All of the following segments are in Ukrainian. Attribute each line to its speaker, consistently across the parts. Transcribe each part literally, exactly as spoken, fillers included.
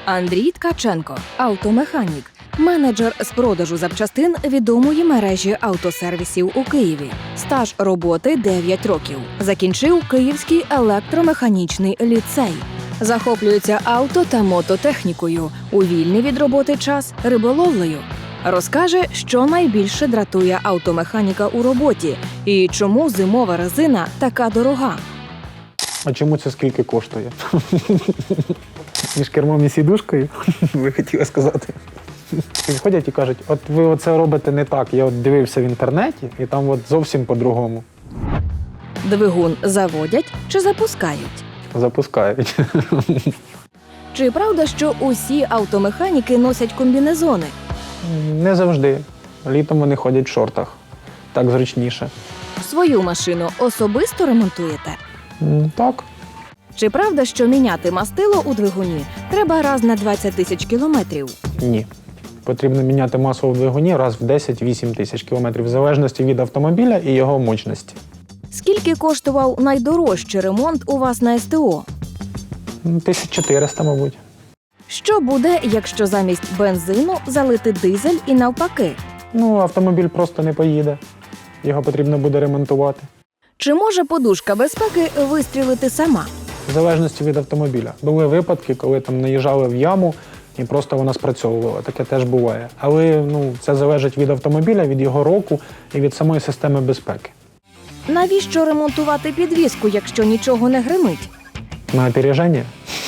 Speaker 1: Андрій Ткаченко – автомеханік, менеджер з продажу запчастин відомої мережі автосервісів у Києві. Стаж роботи – дев'ять років. Закінчив Київський електромеханічний ліцей. Захоплюється авто та мототехнікою. У вільний від роботи час – риболовлею. Розкаже, що найбільше дратує автомеханіка у роботі і чому зимова резина така дорога.
Speaker 2: А чому це скільки коштує? Між кермом і сідушкою, ви хотіли сказати. Підходять і кажуть, от ви оце робите не так, я от дивився в інтернеті, і там от зовсім по-другому.
Speaker 1: Двигун заводять чи запускають?
Speaker 2: Запускають.
Speaker 1: Чи правда, що усі автомеханіки носять комбінезони?
Speaker 2: Не завжди. Літом вони ходять в шортах. Так зручніше.
Speaker 1: Свою машину особисто ремонтуєте?
Speaker 2: М, Так.
Speaker 1: Чи правда, що міняти мастило у двигуні треба раз на двадцять тисяч кілометрів?
Speaker 2: Ні. Потрібно міняти масло в двигуні раз в десять-вісім тисяч кілометрів, в залежності від автомобіля і його мощності.
Speaker 1: Скільки коштував найдорожчий ремонт у вас на ес те о?
Speaker 2: тисяч чотириста, мабуть.
Speaker 1: Що буде, якщо замість бензину залити дизель і навпаки?
Speaker 2: Ну, автомобіль просто не поїде. Його потрібно буде ремонтувати.
Speaker 1: Чи може подушка безпеки вистрілити сама?
Speaker 2: В залежності від автомобіля. Були випадки, коли там наїжджали в яму і просто вона спрацьовувала. Таке теж буває. Але ну, це залежить від автомобіля, від його року і від самої системи безпеки.
Speaker 1: Навіщо ремонтувати підвіску, якщо нічого не гримить?
Speaker 2: На опереження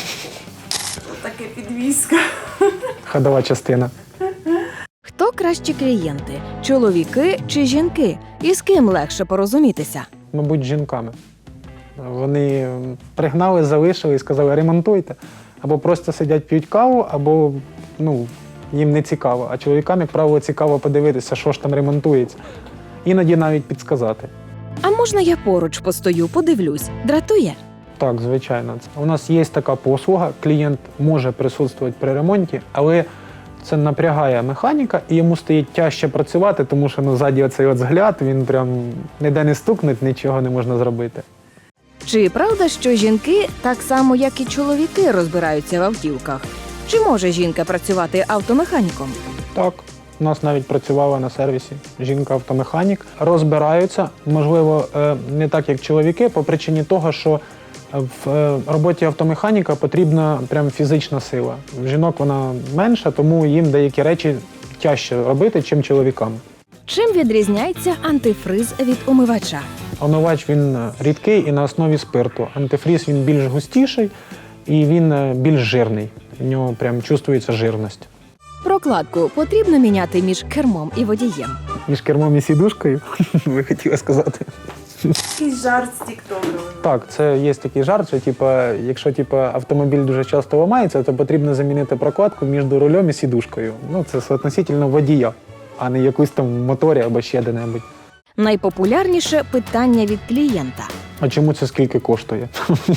Speaker 3: Таке підвізка.
Speaker 2: ходова частина.
Speaker 1: Хто кращі клієнти – чоловіки чи жінки? І з ким легше порозумітися?
Speaker 2: Мабуть, з жінками. Вони пригнали, залишили і сказали ремонтуйте. Або просто сидять, п'ють каву, або ну, їм не цікаво. А чоловікам, як правило, цікаво подивитися, що ж там ремонтується. Іноді навіть підсказати.
Speaker 1: А можна я поруч постою, подивлюсь? Дратує?
Speaker 2: Так, звичайно. У нас є така послуга, клієнт може присутствувати при ремонті, але це напрягає механіка і йому стає тяжче працювати, тому що ну, ззаді оцей от взгляд, він прям ніде не стукнуть, нічого не можна зробити.
Speaker 1: Чи правда, що жінки так само, як і чоловіки, розбираються в автівках? Чи може жінка працювати автомеханіком?
Speaker 2: Так, у нас навіть працювала на сервісі жінка-автомеханік. Розбираються, можливо, е, не так, як чоловіки, по причині того, що в е, роботі автомеханіка потрібна прям фізична сила. В жінок вона менша, тому їм деякі речі тяжче робити, чим чоловікам.
Speaker 1: Чим відрізняється антифриз від умивача?
Speaker 2: Омивач він рідкий і на основі спирту. Антифріз він більш густіший і він більш жирний. В нього прям чувствується жирність.
Speaker 1: Прокладку потрібно міняти між кермом і водієм.
Speaker 2: Між кермом і сідушкою, ви хотіли сказати.
Speaker 3: Якийсь жарт з тіктоку.
Speaker 2: Так, це є такий жарт, що типа, якщо типа, автомобіль дуже часто ламається, то потрібно замінити прокладку між рулем і сідушкою. Ну, це соотносительно водія, а не якусь там в моторі або ще де-небудь.
Speaker 1: Найпопулярніше питання від клієнта.
Speaker 2: А чому це скільки коштує?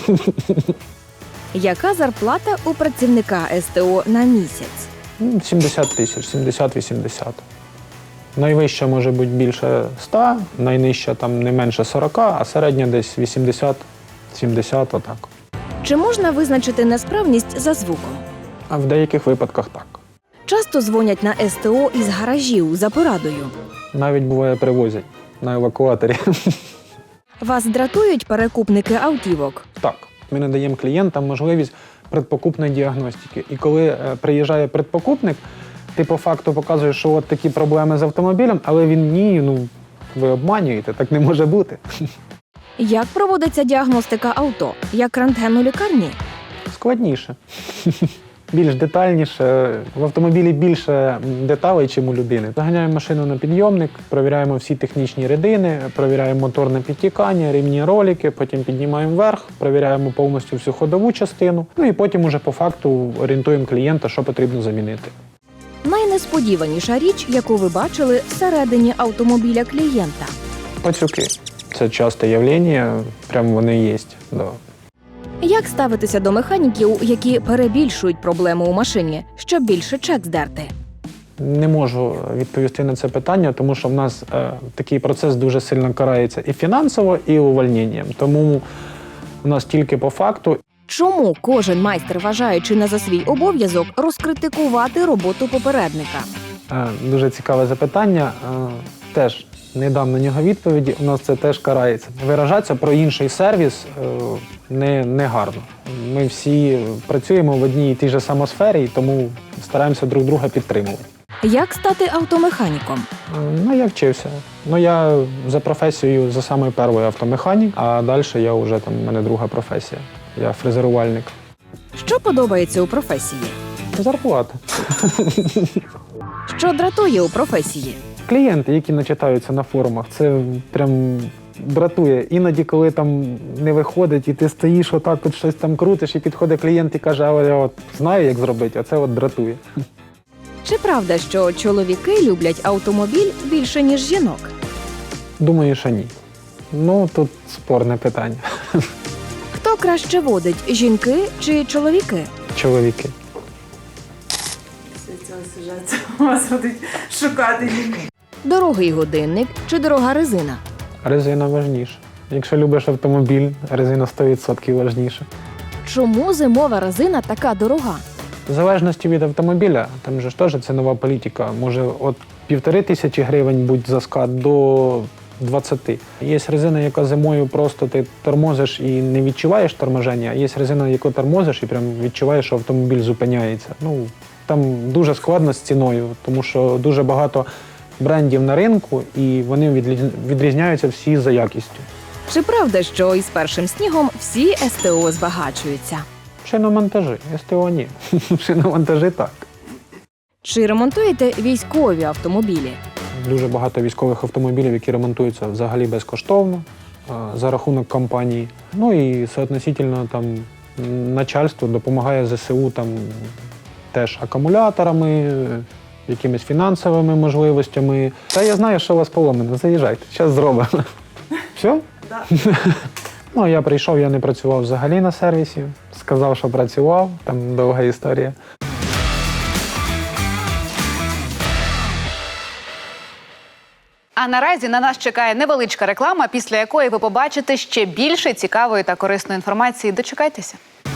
Speaker 1: Яка зарплата у працівника ес те о на місяць?
Speaker 2: Ну, сімдесят тисяч, сімдесят-вісімдесят. Найвища може бути більше ста, найнижча там не менше сорока, а середня десь вісімдесят-сімдесят, отак.
Speaker 1: Чи можна визначити несправність за звуком?
Speaker 2: А в деяких випадках так.
Speaker 1: Часто дзвонять на ес те о із гаражів за порадою.
Speaker 2: Навіть буває привозять на евакуаторі.
Speaker 1: Вас дратують перекупники автівок?
Speaker 2: Так, ми надаємо клієнтам можливість предпокупної діагностики. І коли е, приїжджає предпокупник, ти по факту показуєш, що от такі проблеми з автомобілем, але він ні, ну ви обманюєте, так не може бути.
Speaker 1: Як проводиться діагностика авто? Як рентген у лікарні?
Speaker 2: Складніше. Більш детальніше. В автомобілі більше деталей, ніж у людини. Заганяємо машину на підйомник, перевіряємо всі технічні рідини, перевіряємо моторне підтікання, рівні ролики, потім піднімаємо вверх, перевіряємо повністю всю ходову частину, ну і потім уже по факту орієнтуємо клієнта, що потрібно замінити.
Speaker 1: Найнесподіваніша річ, яку ви бачили всередині автомобіля клієнта.
Speaker 2: Пацюки. Це часте явлення, прям вони є. Да.
Speaker 1: Як ставитися до механіків, які перебільшують проблему у машині, щоб більше чек здерти?
Speaker 2: Не можу відповісти на це питання, тому що в нас е, такий процес дуже сильно карається і фінансово, і увольненням. Тому у нас тільки по факту.
Speaker 1: Чому кожен майстер вважає чи не за свій обов'язок розкритикувати роботу попередника?
Speaker 2: Е, Дуже цікаве запитання. Е, Теж не дам на нього відповіді, у нас це теж карається. Виражатися про інший сервіс е, не, не гарно. Ми всі працюємо в одній і тій же самосфері, і тому стараємося друг друга підтримувати.
Speaker 1: Як стати автомеханіком?
Speaker 2: Е, Ну, я вчився. Ну, я за професією за самою першою автомеханік, а далі я вже там, в мене друга професія. Я фрезерувальник.
Speaker 1: Що подобається у професії?
Speaker 2: Зарплата.
Speaker 1: Що дратує у професії?
Speaker 2: Клієнти, які начитаються на форумах, це прям дратує. Іноді, коли там не виходить, і ти стоїш отак, от щось там крутиш, і підходить клієнт і каже, а я от знаю, як зробити, а це от дратує.
Speaker 1: Чи правда, що чоловіки люблять автомобіль більше, ніж жінок?
Speaker 2: Думаю, що ні. Ну, тут спорне питання.
Speaker 1: Хто краще водить, жінки чи чоловіки?
Speaker 2: Чоловіки.
Speaker 3: Після цього сюжету вас будуть шукати жінки.
Speaker 1: Дорогий годинник чи дорога резина?
Speaker 2: Резина важніша. Якщо любиш автомобіль, резина сто відсотків важніша.
Speaker 1: Чому зимова резина така дорога?
Speaker 2: В залежності від автомобіля, там же ж теж це нова політика. Може от півтори тисячі гривень будь за скат до двадцяти. Є резина, яка зимою просто ти тормозиш і не відчуваєш торможення, а є резина, яку тормозиш і прям відчуваєш, що автомобіль зупиняється. Ну, там дуже складно з ціною, тому що дуже багато брендів на ринку, і вони відлі- відрізняються всі за якістю.
Speaker 1: Чи правда, що із першим снігом всі ес те о збагачуються?
Speaker 2: Шиномонтажі, ес те о ні. Шиномонтажі так.
Speaker 1: Чи ремонтуєте військові автомобілі?
Speaker 2: Дуже багато військових автомобілів, які ремонтуються взагалі безкоштовно а, за рахунок компанії. Ну і соотносительно там начальство допомагає зе се у там теж акумуляторами, якимись фінансовими можливостями. Та я знаю, що у вас поломано. Заїжджайте, зараз зробимо. Все?
Speaker 3: Да.
Speaker 2: Ну, я прийшов, я не працював взагалі на сервісі. Сказав, що працював, там довга історія.
Speaker 4: А наразі на нас чекає невеличка реклама, після якої ви побачите ще більше цікавої та корисної інформації. Дочекайтеся.